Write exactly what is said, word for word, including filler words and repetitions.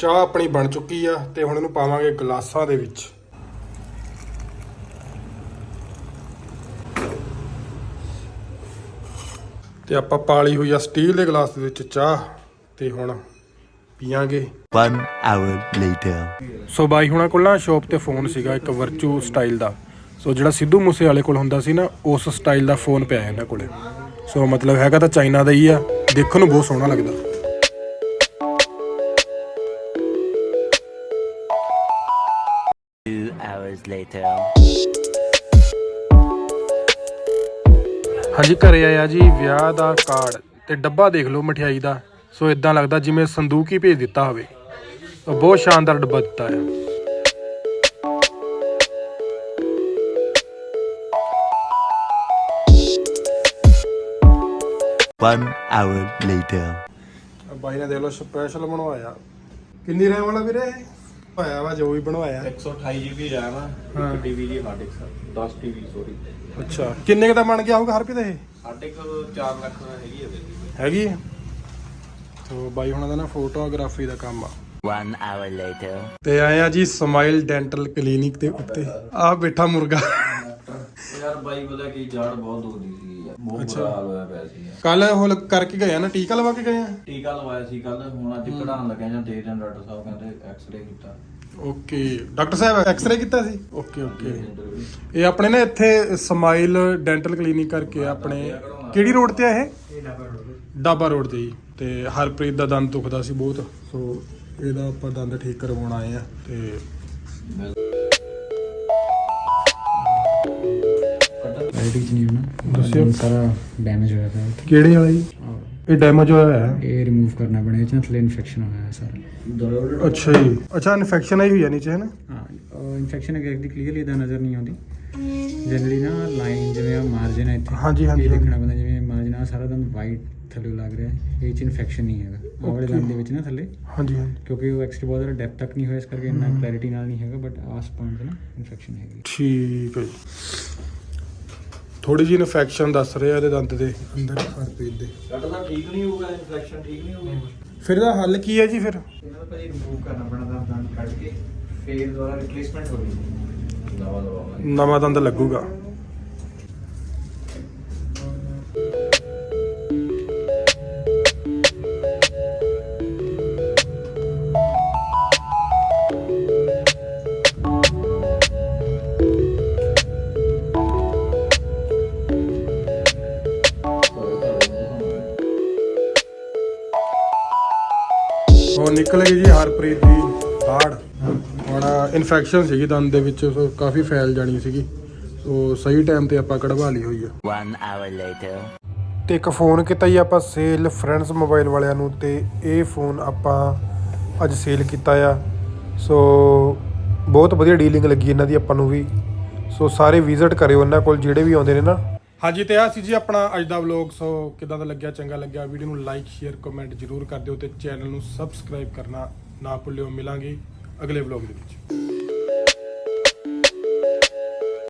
ਚਾਹ ਆਪਣੀ ਬਣ ਚੁੱਕੀ ਆ ਤੇ ਹੁਣ ਇਹਨੂੰ ਪਾਵਾਂਗੇ ਗਲਾਸਾਂ ਦੇ ਵਿੱਚ। ਤੇ ਆਪਾਂ ਪਾਲੀ ਹੋਈ ਆ ਸਟੀਲ ਦੇ ਗਲਾਸ ਦੇ ਵਿੱਚ ਚਾਹ ਤੇ ਹੁਣ ਪੀਾਂਗੇ। One hour later. ਸੋ ਬਾਈ ਹੁਣਾਂ ਕੋਲ ਨਾ ਸ਼ੌਪ ਤੇ ਫੋਨ ਸੀਗਾ ਇੱਕ ਵਰਚੂ ਸਟਾਈਲ ਦਾ। ਸੋ ਜਿਹੜਾ ਸਿੱਧੂ ਮੂਸੇ ਵਾਲੇ ਕੋਲ ਹੁੰਦਾ ਸੀ ਨਾ ਉਸ ਸਟਾਈਲ ਦਾ ਫੋਨ ਪਿਆ ਇਹਨਾਂ ਕੋਲੇ। ਸੋ ਮਤਲਬ ਹੈਗਾ ਤਾਂ ਚਾਈਨਾ ਦਾ ਹੀ ਆ, ਦੇਖਣ ਨੂੰ ਬਹੁਤ ਸੋਹਣਾ ਲੱਗਦਾ। Two hours later. ਹਾਂਜੀ ਘਰੇ ਆਇਆ ਜੀ ਵਿਆਹ ਦਾ ਕਾਰਡ ਤੇ ਡੱਬਾ ਦੇਖ ਲਓ ਮਠਿਆਈ ਦਾ। ਸੋ ਇਦਾਂ ਲੱਗਦਾ ਜਿਵੇਂ ਸੰਦੂਕ ਹੀ ਭੇਜ ਦਿੱਤਾ ਹੋਵੇ। ਬਹੁਤ ਸ਼ਾਨਦਾਰ ਡੱਬਾ ਦਿੱਤਾ ਆ। One hour later. ਬਾਈ ਨੇ ਦੇਖ ਲਓ ਸਪੈਸ਼ਲ ਬਣਵਾਇਆ। ਕਿੰਨੀ ਰੈਮ ਵਾਲਾ ਵੀਰੇ ਹੋਇਆ ਵਾ ਜੋ ਵੀ ਬਣਵਾਇਆ? ਇੱਕ ਸੌ ਅਠਾਈ ਜੀ ਬੀ ਰੈਮ ਆ, ਇੱਕ ਟੀ ਬੀ ਦੀ ਹਾਰਡ ਡਿਸਕ, ਦਸ ਟੀ ਬੀ ਸੋਰੀ। ਅੱਛਾ ਕਿੰਨੇ ਕ ਦਾ ਬਣ ਗਿਆ ਹੋਊਗਾ ਹਰ ਰੁਪਏ ਦਾ ਇਹ? ਸਾਢੇ ਕੁ ਚਾਰ ਲੱਖ ਦਾ ਹੈਗੀ ਹੈ ਹੈਗੀ ਹੈ। ਸੋ ਬਾਈ ਹੁਣਾਂ ਦਾ ਨਾ ਫੋਟੋਗ੍ਰਾਫੀ ਦਾ ਕੰਮ ਆ। One hour later. ਤੇ ਆਏ ਆ ਜੀ ਸਮਾਈਲ ਡੈਂਟਲ ਕਲੀਨਿਕ ਦੇ ਉੱਤੇ। ਆ ਬੈਠਾ ਮੁਰਗਾ। ਯਾਰ ਬਾਈ ਪਤਾ ਕੀ ਜਾੜ ਬਹੁਤ ਦੁਖਦੀ ਸੀ ਯਾਰ, ਬਹੁਤ ਬੁਰਾ ਹਾਲ ਹੋਇਆ ਪਿਆ ਸੀ। ਕੱਲ ਉਹ ਕਰਕੇ ਗਏ ਆ ਨਾ, ਟੀਕਾ ਲਵਾ ਕੇ ਗਏ ਆ। ਟੀਕਾ ਲਵਾਇਆ ਸੀ ਕੱਲ, ਹੁਣ ਅੱਜ ਕਢਾਉਣ ਲੱਗਿਆ ਜਾਂ ਦੇ ਦੇਣ ਡਾਕਟਰ ਸਾਹਿਬ ਕਹਿੰਦੇ ਐਕਸ-ਰੇ ਕੀਤਾ। ਓਕੇ ਡਾਕਟਰ ਸਾਹਿਬ ਐਕਸ-ਰੇ ਕੀਤਾ ਸੀ। ਓਕੇ ਓਕੇ ਇਹ ਆਪਣੇ ਨਾ ਇੱਥੇ ਸਮਾਈਲ ਡੈਂਟਲ ਕਲੀਨਿਕ ਕਰਕੇ ਆਪਣੇ ਕਿਹੜੀ ਰੋਡ ਤੇ ਆ ਇਹ? ਡਾਬਾ ਰੋਡ ਤੇ ਜੀ। ਤੇ ਹਰਪ੍ਰੀਤ ਦਾ ਦੰਦ ਦੁਖਦਾ ਸੀ ਬਹੁਤ, ਸੋ ਇਹਦਾ ਆਪਾਂ ਦੰਦ ਠੀਕ ਕਰਵਾਉਣ ਆਏ ਆ। ਤੇ ਕੁਆਲਿਟੀ ਚ ਨਹੀਂ ਹੋਣਾ, ਦੱਸਿਓ। ਸਾਰਾ ਡੈਮੇਜ ਹੋਇਆ ਪਿਆ। ਕਿਹੜੇ ਵਾਲਾ ਜੀ? ਇਹ ਡੈਮੇਜ ਹੋਇਆ ਹੈ। ਇਹ ਰਿਮੂਵ ਕਰਨਾ ਪੈਣਾ, ਇਹ ਚ ਨਾ ਥੱਲੇ ਇਨਫੈਕਸ਼ਨ ਹੋਇਆ ਹੈ ਸਾਰਾ। ਅੱਛਾ ਜੀ। ਅੱਛਾ ਇਨਫੈਕਸ਼ਨ ਆਈ ਹੋਈ ਆ ਨੀਚੇ ਹੈ ਨਾ? ਹਾਂ ਇਨਫੈਕਸ਼ਨ ਐਗਜ਼ੈਕਟਲੀ ਕਲੀਅਰਲੀ ਇਦਾਂ ਨਜ਼ਰ ਨਹੀਂ ਆਉਂਦੀ। ਜਨਰਲੀ ਨਾ ਲਾਈਨ ਜਿਵੇਂ ਆ ਮਾਰਜਨ ਹੈ ਇੱਥੇ, ਹਾਂਜੀ ਹਾਂਜੀ ਇਹ ਦੇਖਣਾ ਪੈਂਦਾ ਜਿਵੇਂ ਮਾਰਜਨ ਆ ਸਾਰਾ ਦੰਦ ਵਾਈਟ ਥੱਲੇ ਲੱਗ ਰਿਹਾ, ਇਹ ਚ ਇਨਫੈਕਸ਼ਨ ਨਹੀਂ ਹੈਗਾ ਆਹ ਵਾਲੇ ਦੰਦ ਦੇ ਵਿੱਚ ਨਾ ਥੱਲੇ, ਹਾਂਜੀ ਹਾਂਜੀ ਕਿਉਂਕਿ ਉਹ ਐਕਸਟਰੀ ਬਹੁਤ ਜ਼ਿਆਦਾ ਡੈਪਥ ਤੱਕ ਨਹੀਂ ਹੋਇਆ ਇਸ ਕਰਕੇ ਇੰਨਾ ਕਲੈਰਿਟੀ ਨਾਲ ਨਹੀਂ ਹੈਗਾ, ਬਟ ਆਸ ਪੁਆਇੰਟ ਤੇ ਨਾ ਇਨਫੈਕਸ਼ਨ ਹੈਗੀ। ਠੀਕ ਹੈ ਜੀ। ਥੋੜੀ ਜਿਹੀ ਇਨਫੈਕਸ਼ਨ ਦੱਸ ਰਿਹਾ ਇਹਦੇ ਦੰਦ ਦੇ ਅੰਦਰ ਹਰਪ੍ਰੀਤ ਦੇ। ਡਾਕਟਰ ਸਾਹਿਬ ਠੀਕ ਨਹੀਂ ਹੋਊਗਾ, ਇਨਫੈਕਸ਼ਨ ਠੀਕ ਨਹੀਂ ਹੋਊਗੀ। ਫਿਰ ਇਹਦਾ ਹੱਲ ਕੀ ਹੈ ਜੀ? ਫਿਰ ਇਹਨਾਂ ਦਾ ਭਾਈ ਰਿਮੂਵ ਕਰਨਾ ਪੈਣਾ ਦੰਦ ਦੰਦ ਕੱਢ ਕੇ, ਫੇਰ ਦੁਬਾਰਾ ਰਿਪਲੇਸਮੈਂਟ ਹੋਣੀ। ਨਵਾਂ ਲਵਾਵਾਂਗੇ। ਨਵਾਂ ਦੰਦ ਲੱਗੂਗਾ। ਉਹ ਨਿਕਲ ਗਈ ਜੀ ਹਰਪ੍ਰੀਤ ਦੀ ਹਾੜ। ਹੁਣ ਇਨਫੈਕਸ਼ਨ ਸੀਗੀ ਦੰਦ ਦੇ ਵਿੱਚ, ਸੋ ਕਾਫੀ ਫੈਲ ਜਾਣੀ ਸੀਗੀ। ਸੋ ਸਹੀ ਟਾਈਮ ਤੇ ਆਪਾਂ ਕਢਵਾ ਲਈ ਹੋਈ ਆ। One hour later. ਤੇ ਇੱਕ ਫੋਨ ਕੀਤਾ ਜੀ ਆਪਾਂ ਸੇਲ ਫਰੈਂਡਸ ਮੋਬਾਈਲ ਵਾਲਿਆਂ ਨੂੰ, ਤੇ ਇਹ ਫੋਨ ਆਪਾਂ ਅੱਜ ਸੇਲ ਕੀਤਾ ਆ। ਸੋ ਬਹੁਤ ਵਧੀਆ ਡੀਲਿੰਗ ਲੱਗੀ ਇਹਨਾਂ ਦੀ ਆਪਾਂ ਨੂੰ ਵੀ। ਸੋ ਸਾਰੇ ਵਿਜ਼ਿਟ ਕਰਿਓ ਇਹਨਾਂ ਕੋਲ ਜਿਹੜੇ ਵੀ ਆਉਂਦੇ ਨੇ ਨਾ। ਹਾਂਜੀ ਤੇ ਆ ਸੀ ਜੀ ਆਪਣਾ ਅੱਜ ਦਾ ਵਲੌਗ। ਸੋ ਕਿਦਾਂ ਦਾ ਲੱਗਿਆ? ਚੰਗਾ ਲੱਗਿਆ ਵੀਡੀਓ ਨੂੰ ਲਾਈਕ ਸ਼ੇਅਰ ਕਮੈਂਟ ਜ਼ਰੂਰ ਕਰ ਦਿਓ ਤੇ ਚੈਨਲ ਨੂੰ ਸਬਸਕ੍ਰਾਈਬ ਕਰਨਾ ਨਾ ਭੁੱਲਿਓ। ਮਿਲਾਂਗੇ ਅਗਲੇ ਵਲੌਗ ਦੇ ਵਿੱਚ।